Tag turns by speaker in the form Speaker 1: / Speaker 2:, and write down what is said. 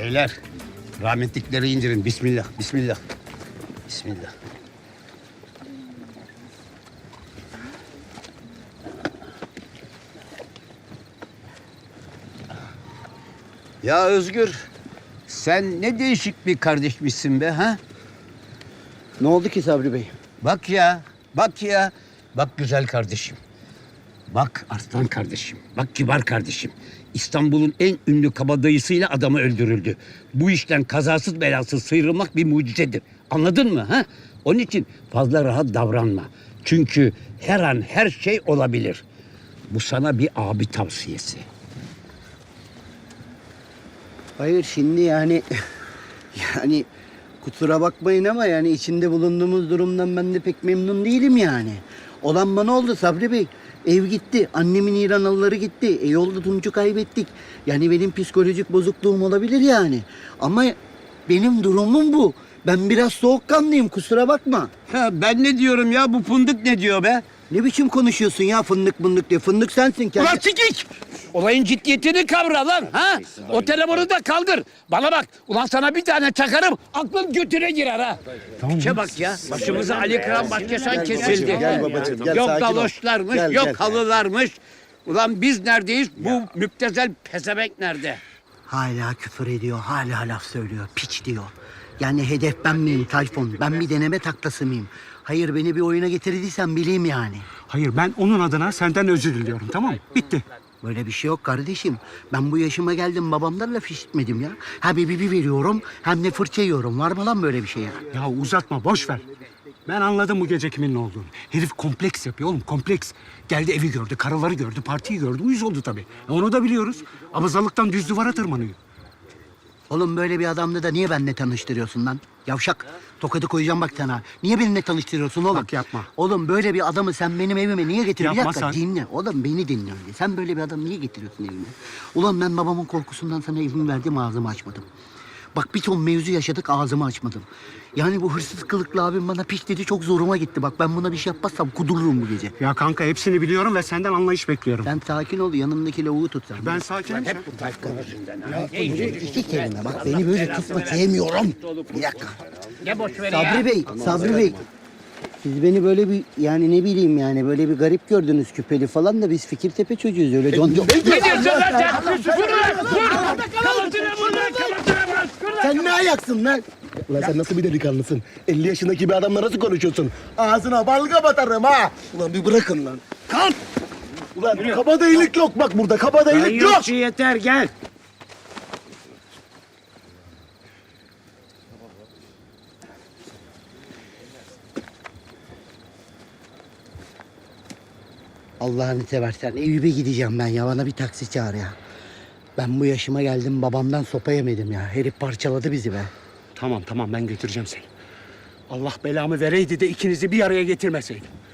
Speaker 1: Beyler, rahmetlikleri indirin. Bismillah, bismillah. Bismillah. Ya Özgür, sen ne değişik bir kardeşmişsin be ha?
Speaker 2: Ne oldu ki Sabri Bey?
Speaker 1: Bak ya, bak ya. Bak güzel kardeşim. Bak arslan kardeşim. Bak kibar kardeşim. İstanbul'un en ünlü kabadayısıyla adamı öldürüldü. Bu işten kazasız belasız sıyrılmak bir mucizedir. Anladın mı ha? Onun için fazla rahat davranma. Çünkü her an her şey olabilir. Bu sana bir abi tavsiyesi.
Speaker 2: Hayır şimdi yani kusura bakmayın ama yani içinde bulunduğumuz durumdan ben de pek memnun değilim yani. Olan bana oldu Sabri Bey. Ev gitti, annemin İranalıları gitti. Yolda Tunç'u kaybettik. Yani benim psikolojik bozukluğum olabilir yani. Ama benim durumum bu. Ben biraz soğukkanlıyım kusura bakma.
Speaker 1: Ha, ben ne diyorum ya, bu fındık ne diyor be?
Speaker 2: Ne biçim konuşuyorsun ya fındık mındık diye. Fındık sensin kendi.
Speaker 1: Ulan sikik! Olayın ciddiyetini kavra lan ha! O telefonu da kaldır. Bana bak, ulan sana bir tane çakarım, aklın götüne girer ha. Tamam. Bak ya, başımıza Ali Kıran Başkesan kesildi.
Speaker 2: Gel babacığım, gel,
Speaker 1: Yok
Speaker 2: sakin ol.
Speaker 1: galoşlarmış,
Speaker 2: Gel,
Speaker 1: yok
Speaker 2: gel.
Speaker 1: halılarmış. Ulan biz neredeyiz, bu müptezel pezevenk nerede?
Speaker 2: Hala küfür ediyor, hala laf söylüyor, piç diyor. Yani hedef ben miyim Tayfun? Ben bir deneme taklası mıyım? Hayır beni bir oyuna getirdiysen bileyim yani.
Speaker 3: Hayır, ben onun adına senden özür diliyorum, tamam mı? Bitti.
Speaker 2: Böyle bir şey yok kardeşim. Ben bu yaşıma geldim babamdan laf işitmedim ya. Ha bir veriyorum hem de fırça yiyorum. Var mı lan böyle bir şey ya?
Speaker 3: Ya uzatma, boş ver. Ben anladım bu gece kimin ne olduğunu. Herif kompleks yapıyor oğlum, kompleks. Geldi evi gördü, karıları gördü, partiyi gördü. Uyuz oldu tabii. Onu da biliyoruz. Abazalıktan düz duvara tırmanıyor.
Speaker 2: Oğlum böyle bir adamla da niye benimle tanıştırıyorsun lan? Yavşak. Tokadı koyacağım bak sana. Niye benimle tanıştırıyorsun oğlum?
Speaker 3: Bak yapma.
Speaker 2: Oğlum böyle bir adamı sen benim evime niye getiriyorsun? Bir
Speaker 3: Yapma
Speaker 2: dakika
Speaker 3: sen.
Speaker 2: dinle. Oğlum beni dinle önce. Sen böyle bir adamı niye getiriyorsun evime? Ulan ben babamın korkusundan sana evimi verdim ağzımı açmadım. Bak bir ton mevzu yaşadık ağzımı açmadım. Yani bu hırsız kılıklı abim bana piç dedi çok zoruma gitti. Bak ben buna bir şey yapmazsam kudururum bu gece.
Speaker 3: Ya kanka hepsini biliyorum ve senden anlayış bekliyorum.
Speaker 2: Sen sakin ol yanımdaki lavuğu tut sen.
Speaker 3: Ben sakinim.
Speaker 2: İki kelime bak beni böyle tutma sevmiyorum. Bir dakika.
Speaker 1: Ne boş ver
Speaker 2: Sabri Bey. Siz beni böyle bir yani ne bileyim yani böyle bir garip gördünüz küpeli falan da biz Fikirtepe çocuğuyuz öyle.
Speaker 1: Ne diyorsun lan sen? Vur lan! Vur! Kalıtına vur lan! Kalıtına vur!
Speaker 2: Sen ne ayaksın lan?
Speaker 4: Ulan sen nasıl bir delikanlısın? 50 yaşındaki bir adamla nasıl konuşuyorsun? Ağzına balga batarım ha!
Speaker 2: Ulan bir bırakın lan.
Speaker 1: Kalk!
Speaker 4: Ulan kabadayılık yok bak burada, kabadayılık yok!
Speaker 1: Yeter gel!
Speaker 2: Allah'ını seversen Eyüp'e gideceğim ben ya. Bana bir taksi çağır ya. Ben bu yaşıma geldim babamdan sopa yemedim ya. Herif parçaladı bizi be.
Speaker 3: Tamam ben götüreceğim seni. Allah belamı vereydi de ikinizi bir araya getirmeseydim.